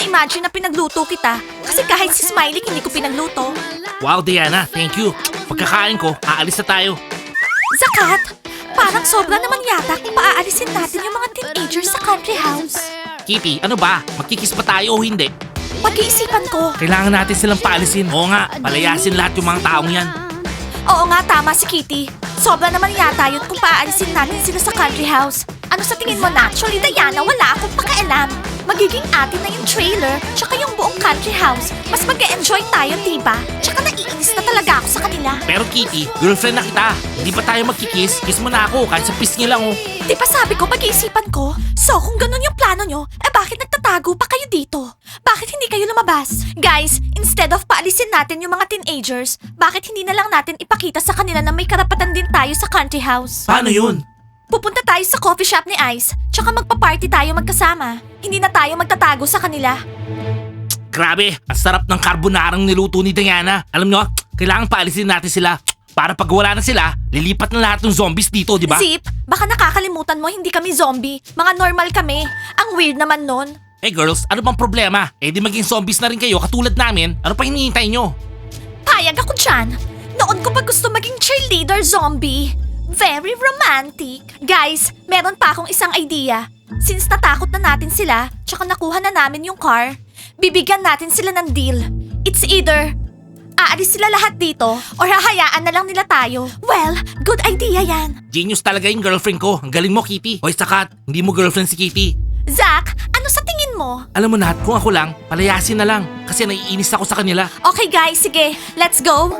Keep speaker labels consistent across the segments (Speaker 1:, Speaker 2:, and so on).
Speaker 1: imagine na pinagluto kita. Kasi kahit si Smiley hindi ko pinagluto.
Speaker 2: Wow, Diana, thank you. Pagkakain ko, aalis na tayo.
Speaker 1: Zakat, parang sobra naman yata kung paaalisin natin yung mga teenagers sa country house.
Speaker 2: Kitty, ano ba? Magkikis pa tayo o hindi?
Speaker 1: Pag-iisipan ko.
Speaker 2: Kailangan natin silang paalisin. Oo nga, palayasin lahat yung mga taong yan.
Speaker 1: Oo nga, tama si Kitty. Sobra naman yata yun kung paaalisin natin sila sa country house. Ano sa tingin mo, naturally, Diana, wala akong pakialam. Magiging atin na yung trailer, tsaka yung buong country house. Mas mag-e-enjoy tayo, diba? Tsaka naiinis na talaga ako sa kanila.
Speaker 2: Pero Kitty, girlfriend na kita. Hindi pa tayo magkikis? Kiss mo na ako, kahit sa pisngi lang oh.
Speaker 1: Di ba sabi ko, pag-iisipan ko? So, kung ganun yung plano nyo, bakit nagtatago pa kayo dito? Bakit hindi kayo lumabas? Guys, instead of paalisin natin yung mga teenagers, bakit hindi na lang natin ipakita sa kanila na may karapatan din tayo sa country house?
Speaker 2: Paano yun?
Speaker 1: Pupunta tayo sa coffee shop ni Ice, tsaka magpa-party tayo magkasama. Hindi na tayo magtatago sa kanila.
Speaker 2: Grabe, ang sarap ng carbonarang niluto ni Diana. Alam nyo, kailangan paalisin natin sila. Para pag wala na sila, lilipat na lahat ng zombies dito, di ba?
Speaker 1: Zip, baka nakakalimutan mo hindi kami zombie. Mga normal kami. Ang weird naman nun.
Speaker 2: Eh girls, ano bang problema? Eh di maging zombies na rin kayo katulad namin. Ano pa hinihintay nyo?
Speaker 1: Payag ako dyan. Noon ko pa gusto maging cheerleader zombie. Very romantic. Guys, meron pa akong isang idea. Since natakot na natin sila, tsaka nakuha na namin yung car, bibigyan natin sila ng deal. It's either aalis sila lahat dito or hahayaan na lang nila tayo. Well, good idea yan.
Speaker 2: Genius talaga yung girlfriend ko. Ang galing mo, Kitty. Hoy, Sakat, hindi mo girlfriend si Kitty.
Speaker 1: Zach, ano sa tingin mo?
Speaker 2: Alam mo Nat, kung ako lang, palayasin na lang. Kasi naiinis ako sa kanila.
Speaker 1: Okay guys, sige. Let's go.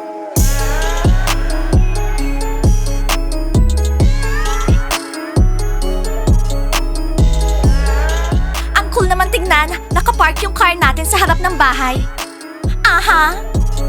Speaker 1: Ang cool naman tignan. Nakapark yung car natin sa harap ng bahay. Aha.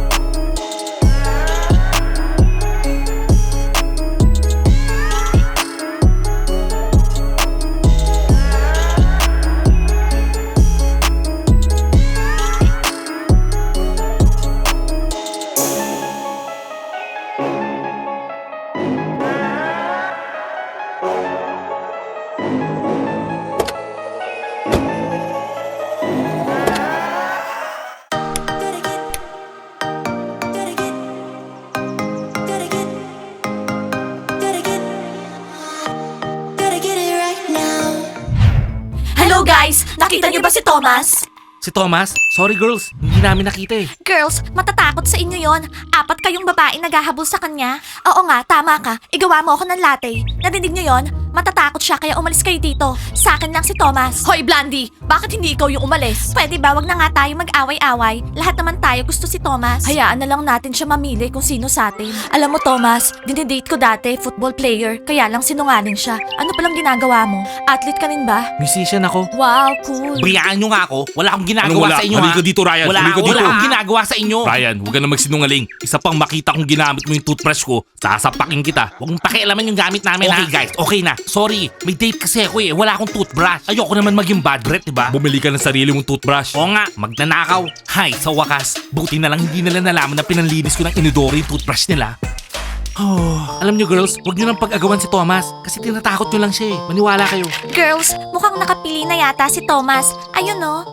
Speaker 1: Hello guys! Nakita niyo ba si Thomas?
Speaker 2: Si Thomas? Sorry girls, hindi namin nakita eh.
Speaker 1: Girls, matatakot sa inyo yon. 4 kayong babae naghahabol sa kanya. Oo nga, tama ka. Igawa mo ako ng latte. Narinig niyo yon? Matatakot siya kaya umalis kayo dito. Sa akin lang si Thomas. Hoy, Blandy! Bakit hindi ikaw yung umalis? Pwede ba wag na nga tayo mag-away-away? Lahat naman tayo gusto si Thomas. Hayaan na lang natin siya mamili kung sino sa atin. Alam mo, Thomas, dinidate ko dati, football player. Kaya lang sinungaling siya. Ano palang ginagawa mo? Athlete ka rin ba?
Speaker 2: Musician ako.
Speaker 1: Wow, cool.
Speaker 2: Bayaan nyo nga ako. Wala akong ginagawa
Speaker 3: Anong wala?
Speaker 2: sa inyo
Speaker 3: Halika
Speaker 2: ha.
Speaker 3: dito, Ryan.
Speaker 2: Wala,
Speaker 3: Halika
Speaker 2: wala
Speaker 3: dito.
Speaker 2: akong ginagawa sa inyo.
Speaker 3: Ryan, huwag ka na magsinungaling. Isa pang makita kong ginamit mo yung toothbrush ko, sasapakin kita.
Speaker 2: Huwag mong pakialaman yung gamit namin
Speaker 3: Okay,
Speaker 2: ha. Guys, okay na. Sorry, may date kasi ako eh. Wala akong toothbrush. Ayoko naman maging bad breath, diba?
Speaker 3: Bumili ka ng sarili mong toothbrush.
Speaker 2: Oo nga, magnanakaw. Hay, sa wakas, buti na lang hindi nila nalaman na pinanlinis ko ng inodoro yung toothbrush nila. Oh, alam nyo girls, huwag nyo nang pag-agawan si Thomas kasi tinatakot nyo lang siya eh. Maniwala kayo.
Speaker 1: Girls, mukhang nakapili na yata si Thomas. Ayun no.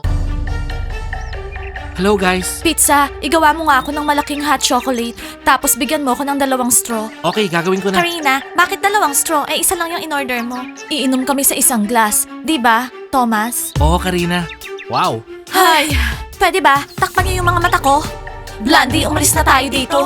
Speaker 2: Hello guys.
Speaker 1: Pizza, igawa mo nga ako ng malaking hot chocolate. Tapos bigyan mo ako ng 2 straw.
Speaker 2: Okay, gagawin ko na.
Speaker 1: Karina, bakit 2 straw? Eh, isa lang yung in-order mo. Iinom kami sa isang glass. Di ba, Thomas?
Speaker 2: Oo, Karina. Wow.
Speaker 1: Hay, pwede ba? Takpan niyo yung mga mata ko. Blandy, umalis na tayo dito.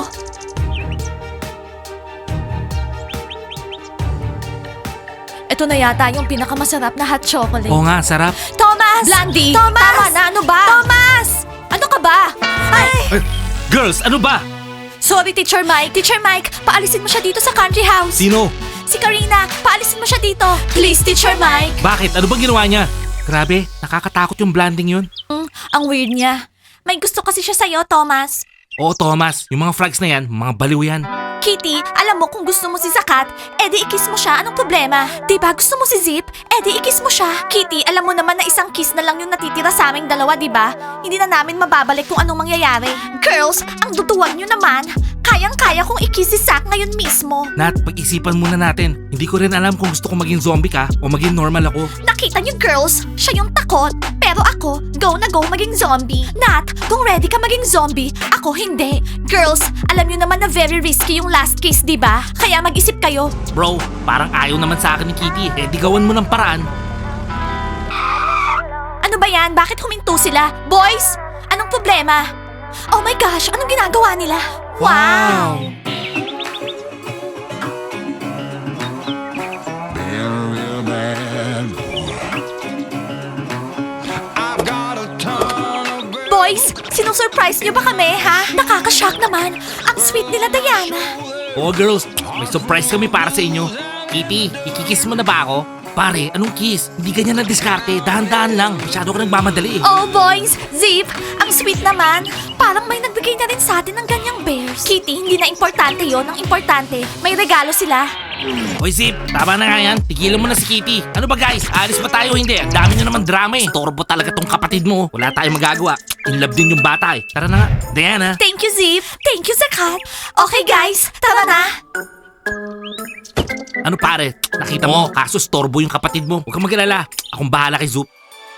Speaker 1: Ito na yata yung pinakamasarap na hot chocolate.
Speaker 2: Oo nga, sarap.
Speaker 1: Thomas! Blandy! Thomas! Tama na, ano ba? Thomas! Ano ka ba? Ay!
Speaker 2: Girls, ano ba?
Speaker 1: Sorry, Teacher Mike. Teacher Mike, paalisin mo siya dito sa country house.
Speaker 2: Sino?
Speaker 1: Si Karina, paalisin mo siya dito. Please, Teacher Mike.
Speaker 2: Bakit? Ano bang ginawa niya? Grabe, nakakatakot yung blanding yun.
Speaker 1: Ang weird niya. May gusto kasi siya sa'yo, Thomas.
Speaker 2: Oo, Thomas. Yung mga frogs na yan, mga baliw yan.
Speaker 1: Kitty, alam mo kung gusto mo si Zakat, edi ikis mo siya. Anong problema? Diba gusto mo si Zip? Edi ikis mo siya. Kitty, alam mo naman na isang kiss na lang yung natitira sa aming dalawa, diba? Hindi na namin mababalik kung anong mangyayari. Girls, ang duduwag nyo naman. Kayang-kaya kong ikis si Zack ngayon mismo.
Speaker 2: Nat, pag-isipan muna natin. Hindi ko rin alam kung gusto ko maging zombie ka o maging normal ako.
Speaker 1: Nakita niyo girls, siya yung takot. Pero Pero ako, go na go maging zombie. Nat, kung ready ka maging zombie, ako hindi. Girls, alam nyo naman na very risky yung last case, di ba? Kaya mag-isip kayo.
Speaker 2: Bro, parang ayaw naman sa akin ni Kitty. Eh, di gawan mo ng paraan.
Speaker 1: Ano ba yan? Bakit huminto sila? Boys, anong problema? Oh my gosh, anong ginagawa nila? Wow!
Speaker 4: Real bad. I've got a ton of
Speaker 1: Boys, sinusurprise niyo ba kami, ha? Nakaka-shock naman. Ang sweet nila, Diana.
Speaker 2: Oh, girls, may surprise kami para sa inyo. Kitty, ikikiss mo na ba ako? Pare, anong kiss? Hindi ganyan na diskarte. Dahan-dahan lang. Masyado ka nagmamadali eh.
Speaker 1: Oh, boys, Zip, ang sweet naman. Parang may nagbigay na rin sa atin ng ganyang bears. Kitty, hindi na importante yon. Ang importante, may regalo sila.
Speaker 2: Hoy, Zip, tama na nga yan. Tigilan mo na si Kitty. Ano ba guys? Alis ba tayo o hindi? Ang dami nyo naman drama eh. Torbo talaga tong kapatid mo. Wala tayong magagawa. In love din yung bata eh. Tara na nga. Diana.
Speaker 1: Thank you, Zip. Thank you, Zakat. Okay, guys, tara na.
Speaker 2: Ano pare? Nakita mo, kaso storbo yung kapatid mo. Huwag kang mag-alala. Akong bahala kay Zoop.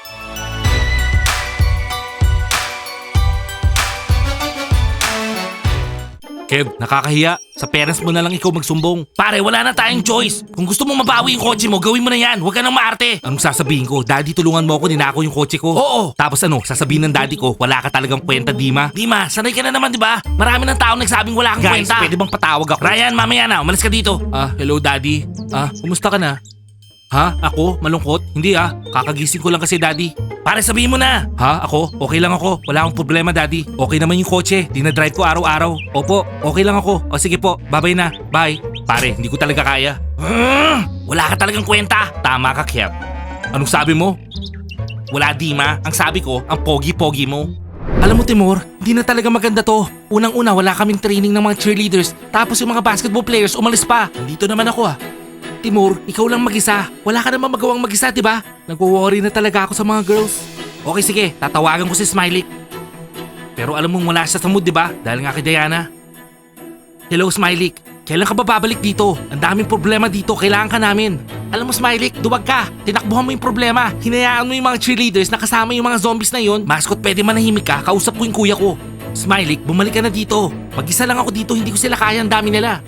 Speaker 2: Kev, nakakahiya. Sa parents mo na lang ikaw magsumbong. Pare, wala na tayong choice. Kung gusto mo mabawi yung kotse mo, gawin mo na yan. Huwag ka nang maarte. Anong sasabihin ko? Daddy, tulungan mo ako, ninako yung kotse ko. Oo. Tapos ano, sasabihin ng daddy ko, wala ka talagang kwenta, Dima. Dima, sanay ka na naman, di ba? Marami ng tao nagsabing wala kang kwenta. Guys, pwede bang patawag ako? Ryan, mamaya na. Umalis ka dito. Hello daddy. Kumusta ka na? Ha? Ako? Malungkot? Hindi kakagising ko lang kasi daddy. Pare, sabihin mo na. Ha? Ako? Okay lang ako. Wala akong problema daddy. Okay naman yung kotse. Dinadrive ko araw-araw. Opo, okay lang ako. O sige po, bye-bye na. Bye. Pare, hindi ko talaga kaya. Wala ka talagang kwenta. Tama ka, Kev. Anong sabi mo? Wala, Dima. Ang sabi ko, ang pogi-pogi mo. Alam mo, Timur, hindi na talaga maganda to. Unang-una, wala kaming training ng mga cheerleaders. Tapos yung mga basketball players umalis pa. Nandito naman ako Timur, ikaw lang mag-isa. Wala ka naman magawang mag-isa, diba? Nagwo-worry na talaga ako sa mga girls. Okay, sige. Tatawagan ko si Smiley. Pero alam mong wala siya sa mood, diba? Dahil nga kay Diana. Hello, Smiley. Kailan ka ba babalik dito? Ang daming problema dito. Kailangan ka namin. Alam mo, Smiley, duwag ka. Tinakbuhan mo yung problema. Hinayaan mo yung mga cheerleaders na kasama yung mga zombies na yon. Mascot, pwede manahimik ka. Kausap ko yung kuya ko. Smiley, bumalik ka na dito. Mag-isa lang ako dito. Hindi ko sila kaya. Ang dami nila.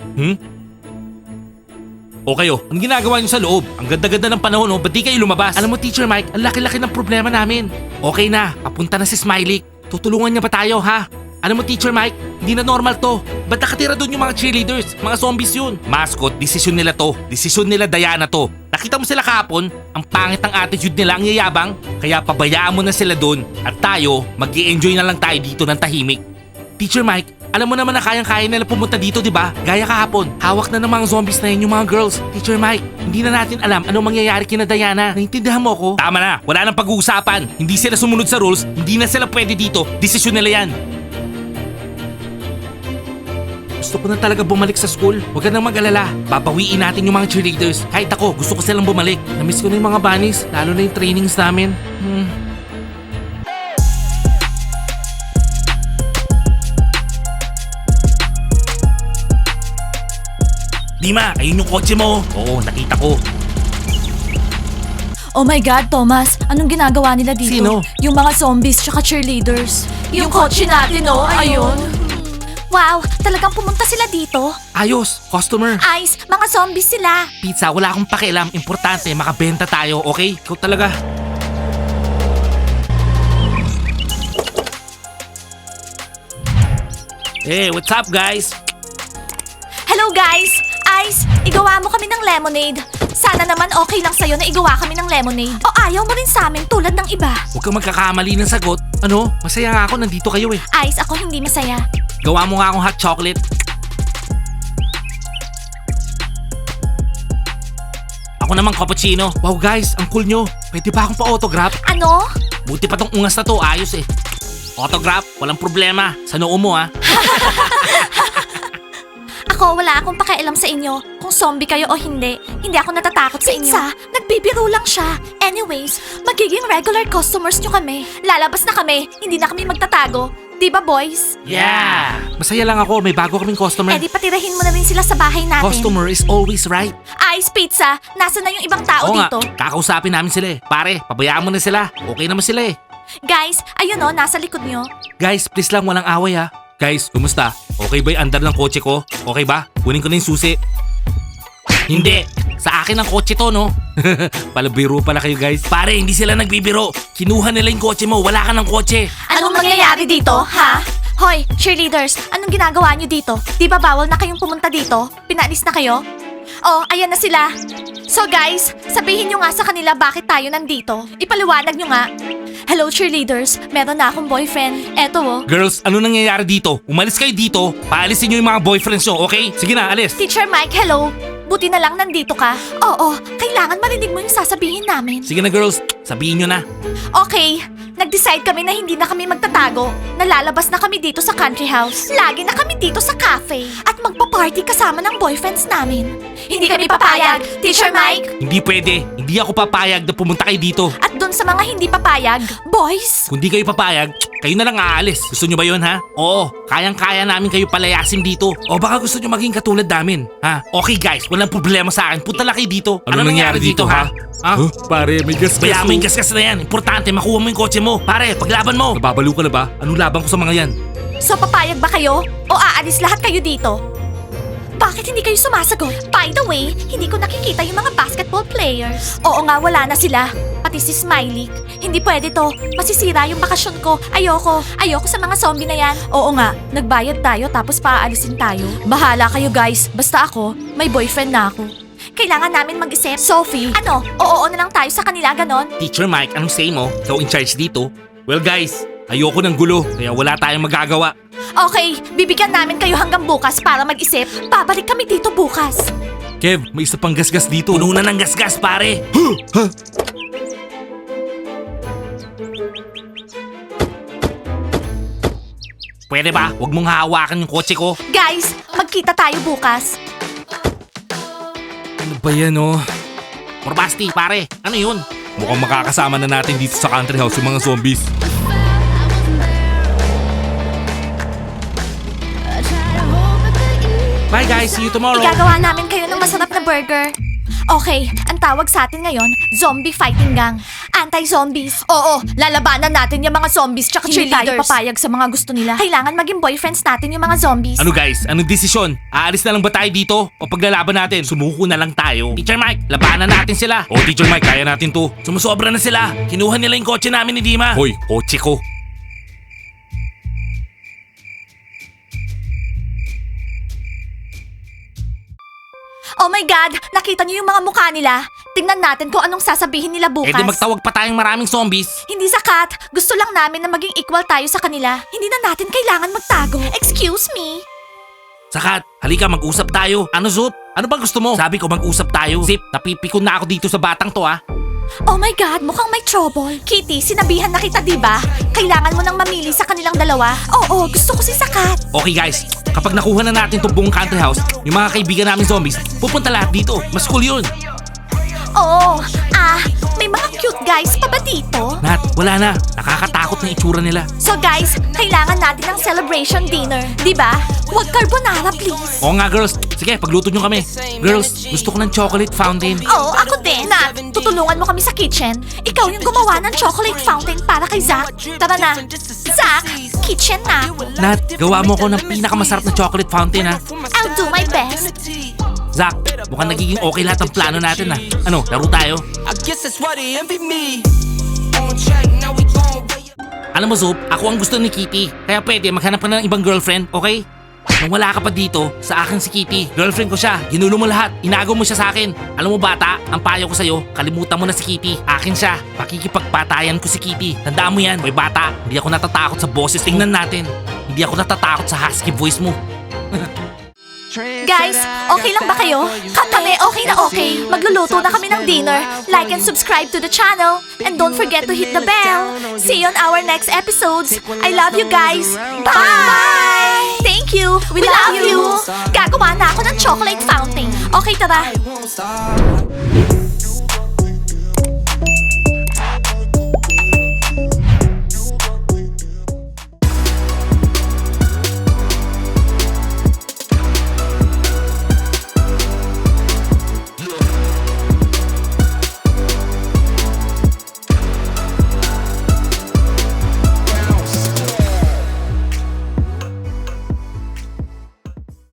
Speaker 2: O kayo, anong ginagawa niyo sa loob? Ang ganda-ganda ng panahon, ba't di kayo lumabas? Alam mo, Teacher Mike, ang laki-laki ng problema namin. Okay na, papunta na si Smiley. Tutulungan niya ba tayo, ha? Alam mo, Teacher Mike, hindi na normal to. Ba't nakatira doon yung mga cheerleaders? Mga zombies yun. Mascot, desisyon nila to. Desisyon nila Diana to. Nakita mo sila kahapon? Ang pangit ng attitude nila, ang yayabang. Kaya pabayaan mo na sila doon. At tayo, mag-i-enjoy na lang tayo dito ng tahimik. Teacher Mike, alam mo naman na kayang-kaya nila pumunta dito, di ba? Gaya kahapon, hawak na ng mga zombies na yun yung mga girls. Teacher Mike, hindi na natin alam anong mangyayari kina Diana. Naintindihan mo ko? Tama na, wala nang pag-uusapan. Hindi sila sumunod sa rules, hindi na sila pwede dito. Desisyon nila yan. Gusto ko na talaga bumalik sa school. Huwag ka nang mag-alala. Babawiin natin yung mga cheerleaders. Kahit ako, gusto ko silang bumalik. Namiss ko na yung mga bunnies, lalo na yung trainings namin. Dima, ayun yung kotse mo. Oo, nakita ko.
Speaker 1: Oh my God, Thomas, anong ginagawa nila dito?
Speaker 2: Sino?
Speaker 1: Yung mga zombies tsaka cheerleaders. Yung kotse natin, ayun. Wow, talagang pumunta sila dito?
Speaker 2: Ayos, customer.
Speaker 1: Ice, mga zombies sila.
Speaker 2: Pizza, wala akong pakialam. Importante, makabenta tayo, okay? Ikaw talaga. Hey, what's up guys?
Speaker 1: Hello guys! Ice, igawa mo kami ng lemonade. Sana naman okay lang sa'yo na igawa kami ng lemonade. O ayaw mo rin sa amin tulad ng iba.
Speaker 2: Huwag kang magkakamali ng sagot. Ano? Masaya nga ako, nandito kayo eh.
Speaker 1: Ice, ako hindi masaya.
Speaker 2: Gawa mo nga akong hot chocolate. Ako naman cappuccino. Wow guys, ang cool nyo. Pwede ba akong pa-autograph?
Speaker 1: Ano?
Speaker 2: Buti pa tong ungas na to, ayos eh. Autograph, walang problema. Sa noo mo
Speaker 1: Ako, wala akong pakialam sa inyo kung zombie kayo o hindi. Hindi ako natatakot sa inyo. Pizza, nagbibiro lang siya. Anyways, magiging regular customers nyo kami. Lalabas na kami, hindi na kami magtatago. Di ba, boys?
Speaker 2: Yeah! Masaya lang ako, may bago kaming customer.
Speaker 1: Eh di patirahin mo na rin sila sa bahay natin.
Speaker 2: Customer is always right.
Speaker 1: Ice Pizza, nasa na yung ibang tao
Speaker 2: Oo nga,
Speaker 1: dito?
Speaker 2: kakausapin namin sila eh. Pare, pabayaan mo na sila. Okay naman sila eh.
Speaker 1: Guys, ayun o, nasa likod nyo.
Speaker 2: Guys, please lang walang away ha. Guys, kumusta? Okay ba yung andar ng kotse ko? Okay ba? Kunin ko na yung susi. Hindi. Sa akin ang kotse to, no? Palabiro pala kayo, guys. Pare, hindi sila nagbibiro. Kinuha nila yung kotse mo. Wala ka ng kotse.
Speaker 1: Anong nangyayari dito, ha? Hoy, cheerleaders, anong ginagawa nyo dito? Di ba bawal na kayong pumunta dito? Pinaalis na kayo? Oh, ayan na sila. So guys, sabihin nyo nga sa kanila bakit tayo nandito. Ipaliwanag nyo nga. Hello cheerleaders, meron na akong boyfriend. Eto oh.
Speaker 2: Girls, ano nangyayari dito? Umalis kayo dito. Paalisin nyo yung mga boyfriends nyo, okay? Sige na, alis.
Speaker 1: Teacher Mike, hello. Buti na lang nandito ka. Oo, kailangan marinig mo yung sasabihin namin.
Speaker 2: Sige na, girls. Sabihin nyo na.
Speaker 1: Okay, nag-decide kami na hindi na kami magtatago. Nalalabas na kami dito sa country house. Lagi na kami dito sa cafe. At magpa-party kasama ng boyfriends namin. Hindi kami papayag, Teacher Mike.
Speaker 2: Hindi pwede. Hindi ako papayag na pumunta kayo dito.
Speaker 1: At dun sa mga hindi papayag, boys.
Speaker 2: Kung di kayo papayag, kayo na lang aalis. Gusto nyo ba yun, ha? Oo, kayang-kaya namin kayo palayasin dito. O baka gusto nyo maging katulad namin, ha? Okay guys, walang problema sa akin. Punta lang kayo dito. Ano nangyari dito, ha?
Speaker 3: Huh? Pare, may gas-gas.
Speaker 2: Kaya mo yung gasgas na yan. Importante, makuha mo yung kotse mo. Pare, paglaban mo.
Speaker 3: Nababaliw ka na ba?
Speaker 2: Anong laban ko sa mga yan?
Speaker 1: So papayag ba kayo? O aalis lahat kayo dito? Bakit hindi kayo sumasagot? By the way, hindi ko nakikita yung mga basketball players. Oo nga, wala na sila. Pati si Smiley. Hindi pwede to. Masisira yung bakasyon ko. Ayoko. Ayoko sa mga zombie na yan. Oo nga, nagbayad tayo tapos paaalisin tayo. Bahala kayo guys. Basta ako, may boyfriend na ako. Kailangan namin mag-isip. Sophie, ano? Oo na lang tayo sa kanila, ganon?
Speaker 2: Teacher Mike, anong say mo? Ikaw in charge dito? Well guys, ayoko ng gulo, kaya wala tayong magagawa.
Speaker 1: Okay, bibigyan namin kayo hanggang bukas para mag-isip. Babalik kami dito bukas.
Speaker 2: Kev, may isa pang gasgas dito. Puno na ng gasgas, pare. Pwede ba? Huwag mong hahawakan yung kotse ko.
Speaker 1: Guys, magkita tayo bukas.
Speaker 2: Ano ba yan, oh? Morbasti, pare. Ano yun?
Speaker 3: Mukhang makakasama na natin dito sa country house yung mga zombies.
Speaker 2: Bye guys, see you tomorrow.
Speaker 1: Igagawa namin kayo ng masarap na burger. Okay, ang tawag sa atin ngayon, zombie fighting gang. Anti-zombies. Oo, lalabanan natin yung mga zombies tsaka cheerleaders. Hindi tayo papayag sa mga gusto nila. Kailangan maging boyfriends natin yung mga zombies.
Speaker 2: Ano guys, anong desisyon? Aalis na lang ba tayo dito? O paglalaban natin, sumuko na lang tayo? Teacher Mike, labanan natin sila.
Speaker 3: Oh, Teacher Mike, kaya natin to.
Speaker 2: Sumusobra na sila. Kinuha nila yung kotse namin ni Dima.
Speaker 3: Hoy, kotse ko.
Speaker 1: Oh my God, nakita niyo yung mga mukha nila? Tingnan natin kung anong sasabihin nila bukas.
Speaker 2: Eh di magtawag pa tayong maraming zombies.
Speaker 1: Hindi sakat. Gusto lang namin na maging equal tayo sa kanila. Hindi na natin kailangan magtago. Excuse me?
Speaker 2: Sakat, halika mag-usap tayo. Ano Zup? Ano bang gusto mo? Sabi ko mag-usap tayo. Zip, napipikon na ako dito sa batang to ah.
Speaker 1: Oh my God, mukhang may trouble. Kitty, sinabihan na kita, diba? Kailangan mo nang mamili sa kanilang dalawa. Oo, gusto ko si Sakat.
Speaker 2: Okay guys, kapag nakuha na natin itong buong country house, yung mga kaibigan namin zombies, pupunta lahat dito. Mas cool yun.
Speaker 1: Oo, may mga cute guys pa ba dito?
Speaker 2: Nat, wala na. Nakakatakot na itsura nila.
Speaker 1: So guys, kailangan natin ng celebration dinner, diba? Huwag carbonara, please.
Speaker 2: Oo nga girls, sige pagluto nyo kami. Girls, gusto ko ng chocolate fountain.
Speaker 1: Oo, ako din. Nat, tutulungan mo kami sa kitchen. Ikaw yung gumawa ng chocolate fountain para kay Zach. Tara na. Zach, kitchen na ako.
Speaker 2: Nat, gawa mo ko ng pinakamasarap na chocolate fountain ha.
Speaker 1: I'll do my best.
Speaker 2: Zach, mukhang nagiging okay lahat ng plano natin ha. Ano, laro tayo?
Speaker 5: I guess that's why they envy me. On track, now we gon' way up.
Speaker 2: Alam mo Zup, ako ang gusto ni Kitty. Kaya pwede maghanap ka na ng ibang girlfriend, okay? Nung wala ka pa dito, sa akin si Kitty. Girlfriend ko siya, ginulo mo lahat, inagaw mo siya sa akin. Alam mo bata, ang payo ko sa'yo, kalimutan mo na si Kitty. Akin siya, pakikipagpatayan ko si Kitty. Tandaan mo yan, boy bata, hindi ako natatakot sa boses. Tingnan natin, hindi ako natatakot sa husky voice mo.
Speaker 1: Guys, okay lang ba kayo? Kami okay na okay. Magluluto na kami ng dinner. Like and subscribe to the channel. And don't forget to hit the bell. See you on our next episodes. I love you guys. Bye! Thank you. We love you. Gagawa na ako ng chocolate fountain. Okay, tara.
Speaker 5: Won't stop.